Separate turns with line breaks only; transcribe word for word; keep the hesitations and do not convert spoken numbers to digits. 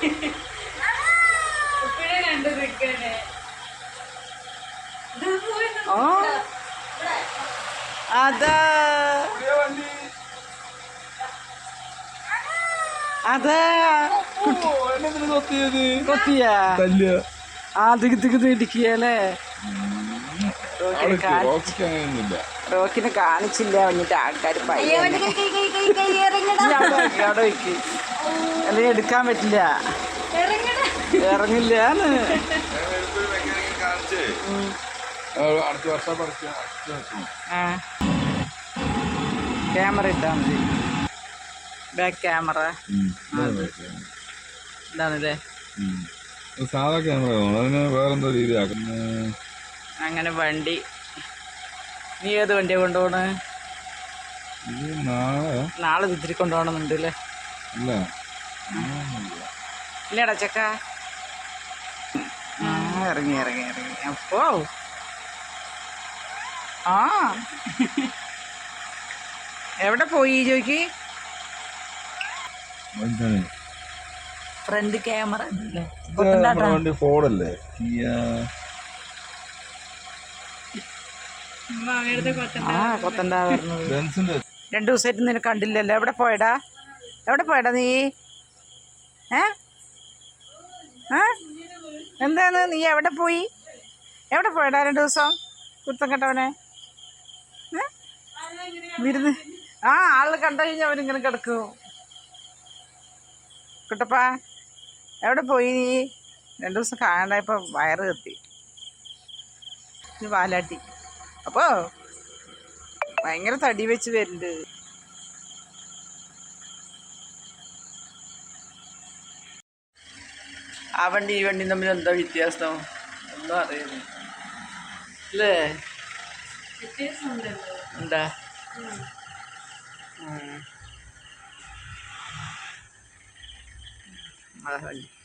അതാ അതാ കൊത്തിയാ ആ തിക്ക് തിക്ക് ഇടിക്കല്ലേ. റോക്കിനെ കാണിച്ചില്ല വന്നിട്ട് ആൾക്കാർ അവിടെ വയ്ക്ക് അല്ലെങ്കിൽ എടുക്കാൻ പറ്റില്ല, ഇറങ്ങില്ലാന്ന്. ക്യാമറ ഇട്ടാ മതി, ബാക്ക് ക്യാമറ ഇതാണല്ലേ.
സാധാ ക്യാമറ അതിന് വേറെന്തോ രീതിയാക്കും.
അങ്ങനെ വണ്ടി. നീ ഏത് വണ്ടിയാ കൊണ്ടുപോണ്? നാളെ ഇതിരി കൊണ്ടുപോകണമെന്നുണ്ട് അല്ലേ? ഇല്ലടാ ചക്ക. ആ ഇറങ്ങി ഇറങ്ങി ഇറങ്ങി അപ്പോ ആ എവിടെ പോയി ചോദിക്ക്. ഫ്രണ്ട് ക്യാമറ
ഫോണല്ലേ?
ആ കൊത്തണ്ട പറഞ്ഞത്. രണ്ടു ദിവസമായിട്ട് നിന്നെ കണ്ടില്ലല്ലോ. എവിടെ പോയടാ? എവിടെ പോയടാ നീ? ഏ എന്താണ് നീ എവിടെ പോയി? എവിടെ പോയടാ രണ്ടു ദിവസം? കുത്തം കെട്ടവനെ വിരുന്ന്. ആ ആള് കണ്ടു കഴിഞ്ഞാൽ അവനിങ്ങനെ കിടക്കും. കുട്ടപ്പാ എവിടെ പോയി നീ? രണ്ടു ദിവസം കാണാണ്ടായപ്പോൾ വയറ് കത്തി വാലാട്ടി. അപ്പോ ഭയങ്കര തടി വെച്ച് വരുന്നുണ്ട്. ആ വണ്ടി ഈ വണ്ടി തമ്മിൽ എന്താ വ്യത്യാസം? ഒന്നും അറിയുന്നു അല്ലേ? എന്താ അതാ വണ്ടി.